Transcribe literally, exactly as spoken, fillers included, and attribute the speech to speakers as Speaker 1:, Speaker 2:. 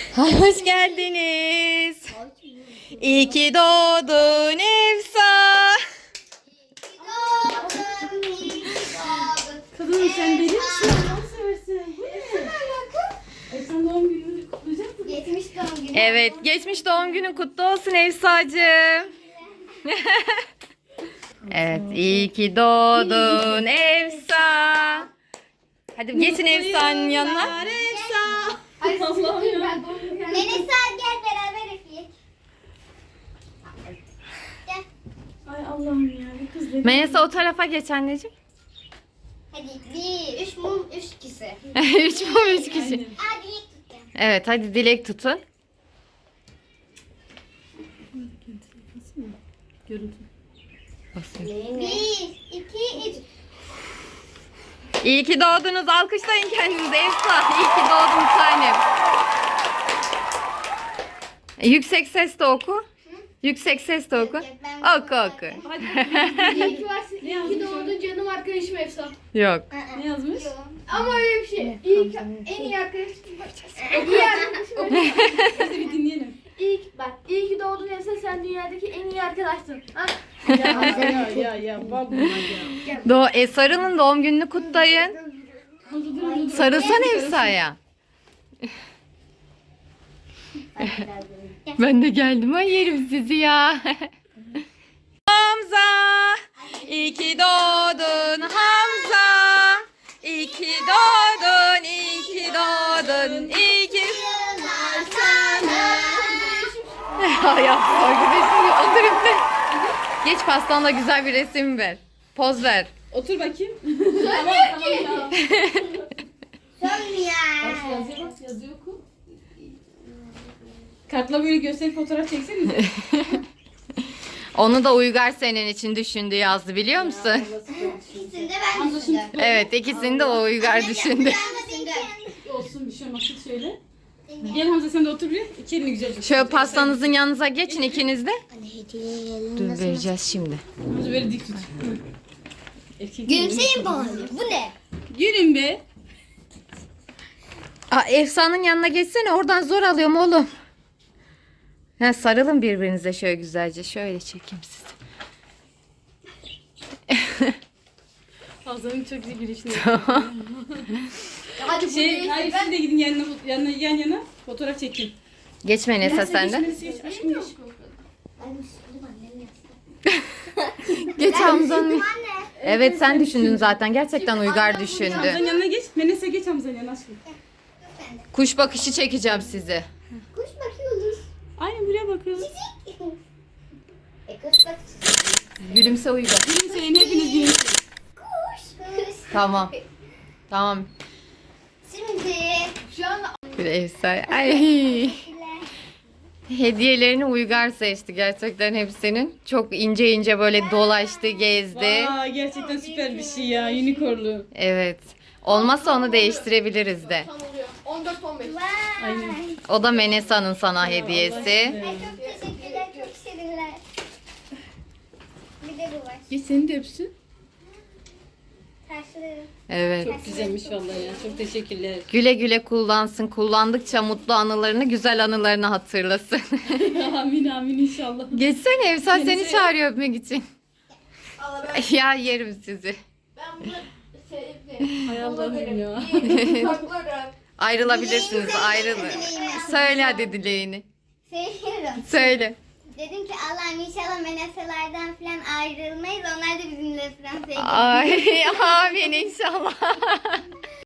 Speaker 1: Ay, hoş geldiniz. İyi ki doğdun Efsa.
Speaker 2: Kadın sen deli misin? Allah'ını seversen. Bu ne? Ay sen doğum gününü kutlayacak mısın?
Speaker 3: Geçmiş doğum günü.
Speaker 1: Evet, geçmiş doğum günün kutlu olsun Efsacığım. Evet, iyi ki doğdun Efsa. Hadi geçin Efsa'nın yanına.
Speaker 2: Efsa.
Speaker 3: Ay,
Speaker 2: Allah'ım ya.
Speaker 3: ben doğum günü. Melisa gel beraber üfleyek. Gel.
Speaker 2: Ay Allah'ım ya. Bir kız deli.
Speaker 1: Melisa o tarafa geç anneciğim.
Speaker 3: Hadi bir, üç mum, üç kişi.
Speaker 1: Üç mum üç kişi.
Speaker 2: Aynen.
Speaker 3: Hadi ilk tutacağım.
Speaker 1: Evet, hadi dilek tutun.
Speaker 2: Görüntü.
Speaker 3: Bir, iki, üç.
Speaker 1: İyi ki doğdunuz. Alkışlayın kendinizi Efsa. İyi ki doğdun tanem. E, Yüksek sesle oku. Yüksek sesle oku. Oku oku.
Speaker 4: İyi ki varsın. İyi ki doğdun canım arkadaşım Efsa.
Speaker 1: Yok.
Speaker 2: Ne yazmış?
Speaker 4: Ama öyle bir şey. İyi ki en iyi arkadaşım. En iyi arkadaşım Efsa.
Speaker 2: Hadi bir dinleyelim.
Speaker 4: İyi ki, bak, iyi ki doğdun Efsa, sen dünyadaki en iyi arkadaşsın. Ha?
Speaker 2: Ya ya ya ya. Bak bunlar ya.
Speaker 1: Do e, sarılın, doğum gününü kutlayın.
Speaker 2: Dur dur dur.
Speaker 1: Sarılsana Efsa'ya. Ben de geldim. Ay yerim sizi ya. Hamza. İyi ki doğdun Hamza. İyi ki doğdun, iyi ki doğdun, iyi ki... Ay yapma arkadaşım. Otur üfle. Geç pastanla güzel bir resim ver. Poz ver.
Speaker 2: Otur bakayım. Tamam tamam ya.
Speaker 3: Son ya.
Speaker 2: Bak yazıyor bak yazıyor oku. Kartla böyle gösterip fotoğraf çeksenize.
Speaker 1: Onu da Uygar senin için düşündü, yazdı biliyor musun?
Speaker 3: İkisini de ben düşündüm.
Speaker 1: Evet, ikisini de o Uygar düşündü.
Speaker 2: Olsun bir şey olmaz. Tut şöyle. Gel Hamza sen de otur bir. İki elini güzelce.
Speaker 1: Şöyle pastanızın yanınıza geçin ikiniz de.
Speaker 3: Hediye
Speaker 1: Dur vereceğiz şimdi.
Speaker 2: Hamza böyle dik tut. Erkek
Speaker 3: Gülümseyin bari. Bu ne?
Speaker 2: Gülün be.
Speaker 1: Aa, Efsa'nın yanına geçsene, oradan zor alıyorum oğlum. Ha, sarılın birbirinize şöyle güzelce. Şöyle çekeyim sizi.
Speaker 2: Hamza'nın çok iyi gülüşünü.
Speaker 4: Hadi bu
Speaker 2: Şey,
Speaker 4: değil.
Speaker 2: hayır siz de gidin yanına, yanına, yan yana fotoğraf çekin.
Speaker 1: Geçme Nesa sen de.
Speaker 2: Geç, geç, aşkım geç.
Speaker 3: Ben düşündüm annem yaptı.
Speaker 1: Geç Hamza'nın.
Speaker 3: Anne.
Speaker 1: Evet sen düşündün zaten. Gerçekten Uygar düşündü.
Speaker 2: Hamza'nın yanına geç. Menese geç Hamza'nın yanına aşkım.
Speaker 1: Kuş bakışı çekeceğim sizi.
Speaker 3: Kuş bakıyoruz.
Speaker 2: Aynen buraya bakın.
Speaker 3: E kuş bak.
Speaker 1: Gülümse Uygar.
Speaker 2: Gülümseyin hepiniz gülümseyin.
Speaker 3: Kuş. Kuş.
Speaker 1: Tamam. Tamam.
Speaker 3: Şimdi.
Speaker 4: Şu an
Speaker 1: Bir Efsa. Ay. Hediyelerini Uygar seçti gerçekten hepsinin. Çok ince ince böyle dolaştı, gezdi.
Speaker 2: Aa, gerçekten süper bir şey ya. Unicornlu.
Speaker 1: Evet. Olmazsa onu değiştirebiliriz de.
Speaker 4: tam oluyor. on dört on beş.
Speaker 3: Vay.
Speaker 2: Aynen.
Speaker 1: O da Menesa'nın sana hediyesi.
Speaker 3: Ay çok teşekkürler. Çok şirinler. Bir de bu var.
Speaker 2: Geç seni de öpsün.
Speaker 3: Karşılarım.
Speaker 1: Evet.
Speaker 2: Çok güzelmiş vallahi ya. Çok teşekkürler.
Speaker 1: Güle güle kullansın. Kullandıkça mutlu anılarını, güzel anılarını hatırlasın.
Speaker 2: amin amin inşallah.
Speaker 1: Geçsene Efsa seni
Speaker 2: Menese-
Speaker 1: çağırıyor öpmek için.
Speaker 4: Allah ben,
Speaker 1: Ya yerim sizi.
Speaker 4: ben bunu sevdim.
Speaker 2: Hay Allah'ım ya.
Speaker 4: Saklarım.
Speaker 1: Ayrılabilirsiniz, ayrılın. Söyle hadi dileğini.
Speaker 3: Seviyorum.
Speaker 1: Söyle.
Speaker 3: Dedim ki Allah'ım inşallah meneselerden falan ayrılmayız. Onlar da bizimle falan sevgili.
Speaker 1: Ay amin inşallah.